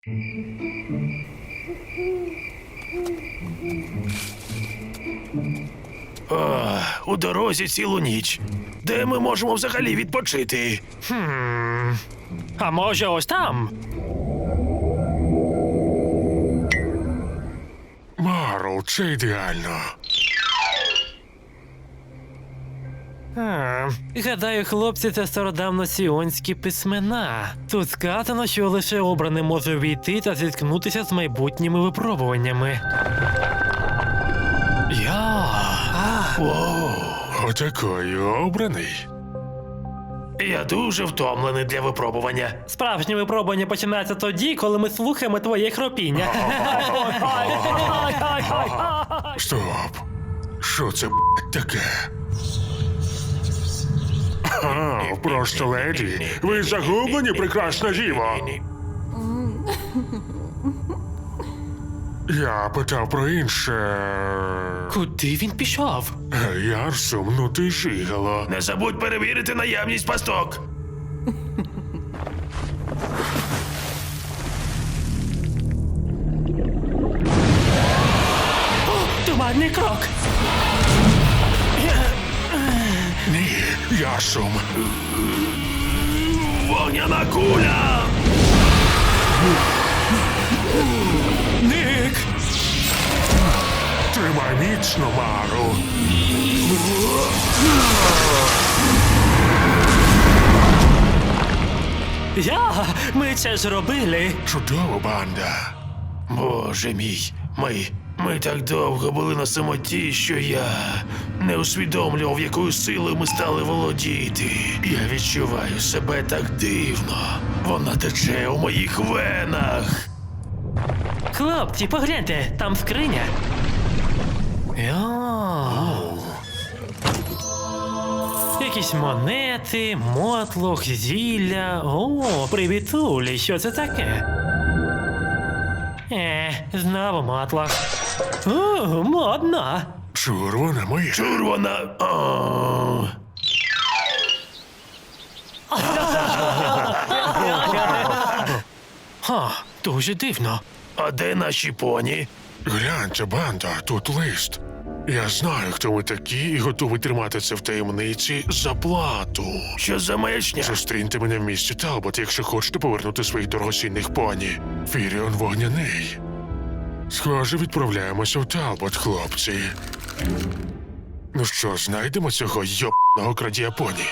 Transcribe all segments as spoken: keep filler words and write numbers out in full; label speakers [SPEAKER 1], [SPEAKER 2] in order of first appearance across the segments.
[SPEAKER 1] О, у дорозі цілу ніч. Де ми можемо взагалі відпочити?
[SPEAKER 2] Хм. А може ось там?
[SPEAKER 3] Марл, це ідеально.
[SPEAKER 2] А, гадаю, хлопці, це стародавно-сіонські письмена. Тут сказано, що лише обраний може війти та зіткнутися з майбутніми випробуваннями. Я.
[SPEAKER 1] Воу.
[SPEAKER 3] Отакої обраний.
[SPEAKER 1] Я дуже втомлений для випробування.
[SPEAKER 2] Справжнє випробування починається тоді, коли ми слухаємо твоє хропіння.
[SPEAKER 3] Стоп. Що це б**, таке? А, просто леді. Ви загублені, прекрасна діво. Я питав про інше.
[SPEAKER 2] Куди він пішов?
[SPEAKER 3] Гей, Арсум, ну ти жигало.
[SPEAKER 1] Не забудь перевірити наявність пасток.
[SPEAKER 2] Туманний крок.
[SPEAKER 3] Ні, Ярсум.
[SPEAKER 1] Вогняна куля!
[SPEAKER 2] Ник!
[SPEAKER 3] Тримай міцно, Марл.
[SPEAKER 2] Я! Ми це зробили!
[SPEAKER 3] Чудова банда.
[SPEAKER 1] Боже мій, ми, ми так довго були на самоті, що я не усвідомлював, якою силою ми стали володіти. Я відчуваю себе так дивно. Вона тече у моїх венах.
[SPEAKER 2] Хлопці, погляньте, там скриня. Йо. Якісь монети, мотлох, зілля. О, привітулі, що це таке? Е, знову мотлох. О, модно.
[SPEAKER 3] Чур, вона моя.
[SPEAKER 1] Чур вона. О.
[SPEAKER 2] Ха, дуже дивно.
[SPEAKER 1] А де наші поні?
[SPEAKER 3] Гляньте, банда, тут лист. Я знаю, хто ви такі, і готовий тримати це в таємниці за плату.
[SPEAKER 1] Що за маячня?
[SPEAKER 3] Зустріньте мене в місті Талбот, якщо хочете повернути своїх дорогоцінних поні. Фіріон вогняний. Схоже, відправляємося в Талбот, хлопці. Ну що, знайдемо цього йобаного крадія поні?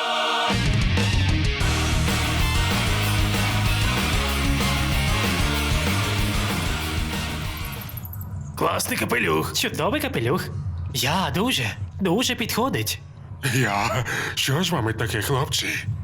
[SPEAKER 1] Класний капелюх.
[SPEAKER 2] Чудовий капелюх. Я дуже, дуже підходить.
[SPEAKER 3] Я? Що з вами таке, хлопці?